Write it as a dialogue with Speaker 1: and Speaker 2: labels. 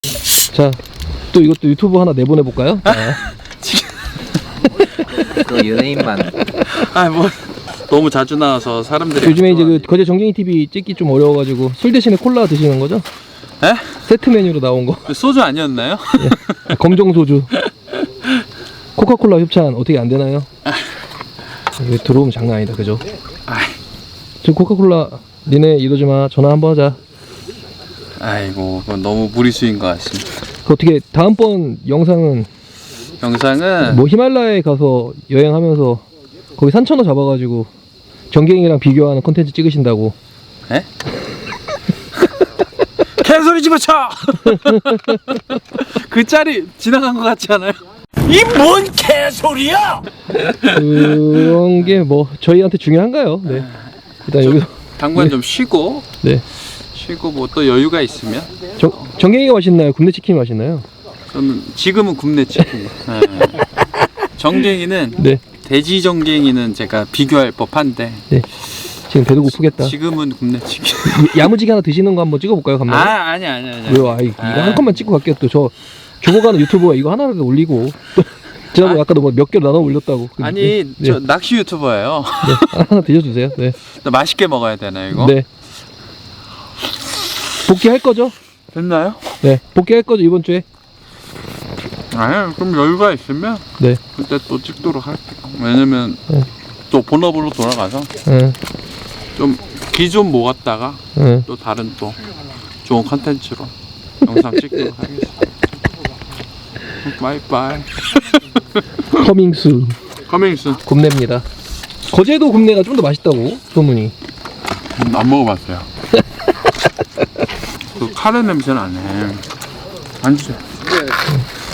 Speaker 1: 자, 또 이것도 유튜브 하나 내보내볼까요?
Speaker 2: 그 연예인만.
Speaker 3: 아 뭐 너무 자주 나와서 사람들이
Speaker 1: 요즘에 이제 그 거제 정갱이 TV 찍기 좀 어려워가지고 술 대신에 콜라 드시는 거죠?
Speaker 3: 에?
Speaker 1: 세트 메뉴로 나온 거.
Speaker 3: 소주 아니었나요?
Speaker 1: 예. 검정 소주. 코카콜라 협찬 어떻게 안 되나요? 이거 들어오면 장난 아니다, 그죠? 저 코카콜라 니네 이러지 마. 전화 한번 하자.
Speaker 3: 아이고 그건 너무 무리수인 것 같습니다.
Speaker 1: 그 어떻게 다음번 영상은
Speaker 3: 영상은
Speaker 1: 뭐 히말라야에 가서 여행하면서 거기 산천어 잡아가지고 정갱이랑 비교하는 콘텐츠 찍으신다고.
Speaker 3: 에? 개소리 집어쳐! 그 짤이 지나간 것 같지 않아요?
Speaker 4: 이 뭔 개소리야!
Speaker 1: 그런 게 뭐 저희한테 중요한가요? 네. 일단 여기서
Speaker 3: 당분
Speaker 1: 네.
Speaker 3: 좀 쉬고
Speaker 1: 네.
Speaker 3: 쉬고 뭐 또 여유가 있으면
Speaker 1: 정갱이가 맛있나요? 굽네 치킨이 맛있나요?
Speaker 3: 저는 지금은 굽네 치킨. 네. 정갱이는
Speaker 1: 네.
Speaker 3: 돼지 정갱이는 제가 비교할 법한데
Speaker 1: 네. 지금 배도 고프겠다.
Speaker 3: 지금은 굽네 치킨.
Speaker 1: 야무지게 하나 드시는 거 한번 찍어볼까요, 감독님?
Speaker 3: 아니.
Speaker 1: 왜요? 이거 한 컷만 찍고 갈게요. 또 저 죽어가는 유튜버가 이거 하나라도 올리고 지난번에 아까도 뭐 몇 개를 나눠 올렸다고.
Speaker 3: 아니
Speaker 1: 네.
Speaker 3: 저 낚시 유튜버예요.
Speaker 1: 네. 하나 드셔주세요. 네.
Speaker 3: 맛있게 먹어야 되나 이거?
Speaker 1: 네. 복귀할 거죠?
Speaker 3: 됐나요?
Speaker 1: 네. 복귀할 거죠, 이번 주에?
Speaker 3: 아니 그럼 여유가 있으면
Speaker 1: 네.
Speaker 3: 그때 또 찍도록 할게요. 왜냐면
Speaker 1: 네.
Speaker 3: 또 본업으로 돌아가서
Speaker 1: 응.
Speaker 3: 좀 기존 모았다가
Speaker 1: 응.
Speaker 3: 또 다른 또 좋은 컨텐츠로 영상 찍도록 하겠습니다. 바이바이.
Speaker 1: 커밍순.
Speaker 3: 커밍순.
Speaker 1: 굽네입니다. 거제도 굽네가 좀 더 맛있다고 소문이.
Speaker 3: 안 먹어봤어요. 그 카레 냄새는 안 해. 안 주세요.